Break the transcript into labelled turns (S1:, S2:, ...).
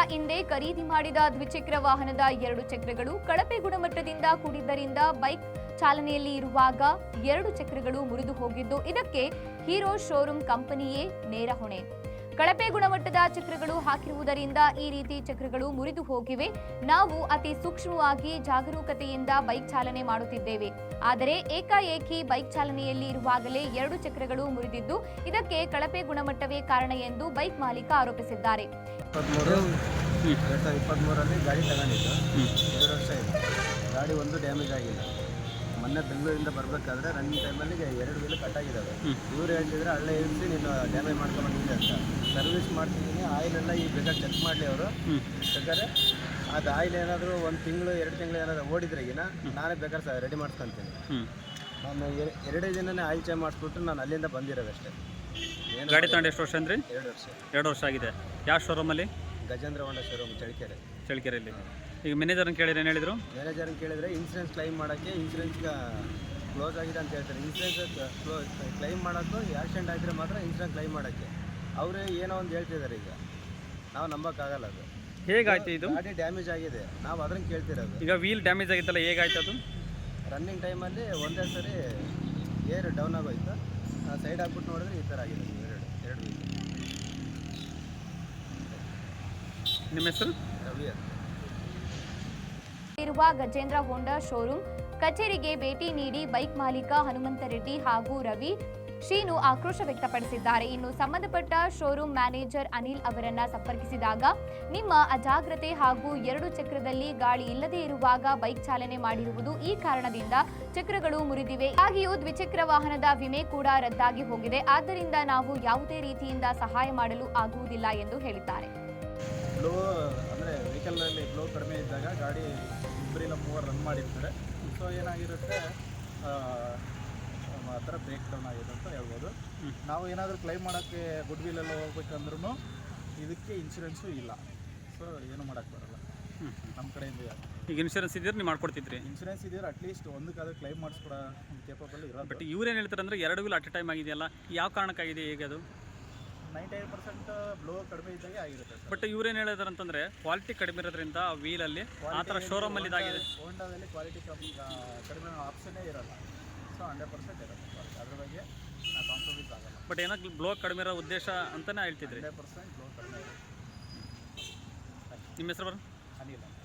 S1: ಹಿಂದೆ ಖರೀದಿ ಮಾಡಿದ ದ್ವಿಚಕ್ರ ವಾಹನದ 2 ಚಕ್ರಗಳು ಕಳಪೆ ಗುಣಮಟ್ಟದಿಂದ ಕೂಡಿದ್ದರಿಂದ ಬೈಕ್ ಚಾಲನೆಯಲ್ಲಿ ಇರುವಾಗ 2 ಚಕ್ರಗಳು ಮುರಿದು ಹೋಗಿದ್ದು, ಇದಕ್ಕೆ ಹೀರೋ ಶೋರೂಮ್ ಕಂಪನಿಯೇ ನೇರ ಹೊಣೆ. ಕಳಪೆ ಗುಣಮಟ್ಟದ ಚಕ್ರಗಳು ಹಾಕಿರುವುದರಿಂದ ಈ ರೀತಿ ಚಕ್ರಗಳು ಮುರಿದು ಹೋಗಿವೆ. ನಾವು ಅತಿ ಸೂಕ್ಷ್ಮವಾಗಿ ಜಾಗರೂಕತೆಯಿಂದ ಬೈಕ್ ಚಾಲನೆ ಮಾಡುತ್ತಿದ್ದೇವೆ. ಆದರೆ ಏಕಾಏಕಿ ಬೈಕ್ ಚಾಲನೆಯಲ್ಲಿ ಇರುವಾಗಲೇ 2 ಚಕ್ರಗಳು ಮುರಿದಿದ್ದು, ಇದಕ್ಕೆ ಕಳಪೆ ಗುಣಮಟ್ಟವೇ ಕಾರಣ ಎಂದು ಬೈಕ್ ಮಾಲೀಕ ಆರೋಪಿಸಿದ್ದಾರೆ.
S2: 2023 ಗಾಡಿ ತಗೊಂಡಿದ್ದು 2 ವರ್ಷ ಇದೆ. ಗಾಡಿ ಒಂದು ಡ್ಯಾಮೇಜ್ ಆಗಿಲ್ಲ. ಮೊನ್ನೆ ಬೆಂಗಳೂರಿಂದ ಬರಬೇಕಾದ್ರೆ ರನ್ನಿಂಗ್ ಟೈಮಲ್ಲಿ 2 ವೀಲ್ ಕಟ್ಟಾಗಿದ್ದಾವೆ. ಇವ್ರು ಹೇಳ್ತಿದ್ರೆ ಹಳ್ಳೆ ಇಳಿಸಿ ನೀನು ಡ್ಯಾಮೇಜ್ ಮಾಡ್ಕೊಂಡ್ಬಂದಿದೆ ಅಂತ. ಸರ್ವಿಸ್ ಮಾಡ್ತಿದ್ದೀನಿ, ಆಯಿಲೆಲ್ಲ ಈಗ ಬೇಕಾದ್ರೆ ಚೆಕ್ ಮಾಡಲಿ ಅವರು. ಬೇಕಾದ್ರೆ ಅದು ಆಯಿಲ್ ಏನಾದರೂ 1 ತಿಂಗಳು 2 ತಿಂಗಳು ಏನಾದರೂ ಓಡಿದ್ರೆಗಿನ ನಾನೇ ಬೇಕಾದ್ರೆ ರೆಡಿ ಮಾಡ್ಕೊತೀನಿ. ನಾನು 2 ದಿನನೇ ಆಯಿಲ್ ಚೇಂಜ್ ಮಾಡಿಸ್ಬಿಟ್ಟು ನಾನು ಅಲ್ಲಿಂದ ಬಂದಿರೋದಷ್ಟೇ.
S3: ಗಾಡಿ ತಗೊಂಡು ಎಷ್ಟು ವರ್ಷ ಅಂದ್ರಿ?
S2: 2 ವರ್ಷ.
S3: 2 ವರ್ಷ ಆಗಿದೆ. ಯಾವ ಶೋರೂಮಲ್ಲಿ?
S2: ಗಜೇಂದ್ರ ಹೋಂಡಾ ಶೋರೂಮ್
S3: ಚಳ್ಳಕೆರೆಯಲ್ಲಿ. ಈಗ ಮ್ಯಾನೇಜರ್ನ ಕೇಳಿದ್ರೆ ಏನು ಹೇಳಿದ್ರು?
S2: ಮ್ಯಾನೇಜರ್ನ ಕೇಳಿದರೆ ಇನ್ಸೂರೆನ್ಸ್ ಕ್ಲೈಮ್ ಮಾಡೋಕ್ಕೆ ಇನ್ಸೂರೆನ್ಸ್ ಕ್ಲೋಸ್ ಆಗಿದೆ ಅಂತ ಹೇಳ್ತಾರೆ. ಇನ್ಸೂರೆನ್ಸ್ ಕ್ಲೈಮ್ ಮಾಡೋಕ್ಕೂ ಆಕ್ಸಿಡೆಂಟ್ ಆಗಿದ್ರೆ ಮಾತ್ರ ಇನ್ಸೂರೆನ್ಸ್ ಕ್ಲೈಮ್ ಮಾಡೋಕ್ಕೆ ಅವರು ಏನೋ ಒಂದು ಹೇಳ್ತಿದ್ದಾರೆ. ಈಗ ನಾವು ನಂಬೋಕ್ಕಾಗಲ್ಲ. ಅದು
S3: ಹೇಗಾಯ್ತು? ಇದು
S2: ಗಾಡಿ ಡ್ಯಾಮೇಜ್ ಆಗಿದೆ, ನಾವು ಅದನ್ನು ಕೇಳ್ತಿರೋದು.
S3: ಈಗ ವೀಲ್ ಡ್ಯಾಮೇಜ್ ಆಗಿತ್ತಲ್ಲ, ಹೇಗಾಯ್ತು ಅದು?
S2: ರನ್ನಿಂಗ್ ಟೈಮಲ್ಲಿ ಒಂದೇ ಸರಿ ಏರ್ ಡೌನ್ ಆಗೋಯ್ತು. ಸೈಡ್ ಹಾಕ್ಬಿಟ್ಟು ನೋಡಿದ್ರೆ ಈ ಥರ ಆಗಿದೆ. 2 ವೀಲ್.
S3: ನಿಮ್ಮ ಹೆಸರು?
S2: ರವಿ ಅಂತ.
S1: ಇರುವ ಗಜೇಂದ್ರ ಹೋಂಡಾ ಶೋರೂಮ್ ಕಚೇರಿಗೆ ಭೇಟಿ ನೀಡಿ ಬೈಕ್ ಮಾಲೀಕ ಹನುಮಂತ ರೆಡ್ಡಿ ಹಾಗೂ ರವಿ ಶ್ರೀನು ಆಕ್ರೋಶ ವ್ಯಕ್ತಪಡಿಸಿದ್ದಾರೆ. ಇನ್ನು ಸಂಬಂಧಪಟ್ಟ ಶೋರೂಮ್ ಮ್ಯಾನೇಜರ್ ಅನಿಲ್ ಅವರನ್ನ ಸಂಪರ್ಕಿಸಿದಾಗ, ನಿಮ್ಮ ಅಜಾಗ್ರತೆ ಹಾಗೂ 2 ಚಕ್ರದಲ್ಲಿ ಗಾಳಿ ಇಲ್ಲದೆ ಇರುವಾಗ ಬೈಕ್ ಚಾಲನೆ ಮಾಡಿರುವುದು ಈ ಕಾರಣದಿಂದ ಚಕ್ರಗಳು ಮುರಿದಿವೆ. ಹಾಗೆಯೂ ದ್ವಿಚಕ್ರ ವಾಹನದ ವಿಮೆ ಕೂಡ ರದ್ದಾಗಿ ಹೋಗಿದೆ. ಆದ್ದರಿಂದ ನಾವು ಯಾವುದೇ ರೀತಿಯಿಂದ ಸಹಾಯ ಮಾಡಲು ಆಗುವುದಿಲ್ಲ ಎಂದು ಹೇಳಿದ್ದಾರೆ.
S2: ಫ್ಲೋ ಅಂದರೆ ವೆಹಿಕಲ್ನಲ್ಲಿ ಫ್ಲೋ ಕಡಿಮೆ ಇದ್ದಾಗ ಗಾಡಿ 2-3 ರನ್ ಮಾಡಿರ್ತಾರೆ. ಸೊ ಏನಾಗಿರುತ್ತೆ, ಆ ಥರ ಬ್ರೇಕ್ ಡೌನ್ ಆಗಿದೆ ಅಂತ ಹೇಳ್ಬೋದು. ನಾವು ಏನಾದರೂ ಕ್ಲೈಮ್ ಮಾಡೋಕ್ಕೆ ಗುಡ್ ವೀಲೆಲ್ಲ ಹೋಗ್ಬೇಕಂದ್ರೂ ಇದಕ್ಕೆ ಇನ್ಶೂರೆನ್ಸು ಇಲ್ಲ. ಸೊ ಏನು ಮಾಡೋಕ್ಕೆ ಬರೋಲ್ಲ ನಮ್ಮ ಕಡೆಯಿಂದ.
S3: ಈಗ ಇನ್ಶೂರೆನ್ಸ್ ಇದ್ದರೆ ನೀವು ಮಾಡ್ಕೊಡ್ತಿದ್ರಿ?
S2: ಇನ್ಶೂರೆನ್ಸ್ ಇದ್ದರೆ ಅಟ್ಲೀಸ್ಟ್ ಒಂದಕ್ಕಾದ್ರೂ ಕ್ಲೈಮ್ ಮಾಡಿಸ್ಕೊಡೋ ಕೇಪಬಲ್ ಇರೋದು.
S3: ಬಟ್ ಇವ್ರೇನು ಹೇಳ್ತಾರೆ ಅಂದರೆ 2 ವೀಲ್ ಅಟ್ ಎ ಟೈಮ್ ಆಗಿದೆಯಲ್ಲ, ಯಾವ ಕಾರಣಕ್ಕಾಗಿದೆ? ಹೇಗೆ ಅದು?
S2: 98% ಬ್ಲೋ ಕಡಿಮೆ ಇದ್ದಾಗೆ ಆಗಿರುತ್ತೆ.
S3: ಬಟ್ ಇವ್ರೇನು ಹೇಳಿದಾರೆ ಅಂತಂದರೆ ಕ್ವಾಲಿಟಿ ಕಡಿಮೆ ಇರೋದ್ರಿಂದ ಆ ವೀಲಲ್ಲಿ ಆ ಥರ ಶೋರೂಮಲ್ಲಿ ಇದಾಗಿದೆ.
S2: ಹೋಂಡಾದಲ್ಲಿ ಕ್ವಾಲಿಟಿ ಕಡಿಮೆ ಆಪ್ಷನ್ನೇ ಇರೋಲ್ಲ. ಸೊ 100% ಇರುತ್ತೆ ಕ್ವಾಲಿಟಿ. ಅದ್ರ ಬಗ್ಗೆ ನಾವು ಕಾಂಪ್ರಮೈಸ್ ಆಗಲ್ಲ.
S3: ಬಟ್ ಏನೋ ಬ್ಲೋ ಕಡಿಮೆ ಇರೋ ಉದ್ದೇಶ ಅಂತಲೇ ಹೇಳ್ತಿದ್ರಿ.
S2: 100% ಬ್ಲೋ ಕಡಿಮೆ ಇರುತ್ತೆ.
S3: ನಿಮ್ಮ ಹೆಸರು ಬರೋ?
S2: ಅನಿಲ್.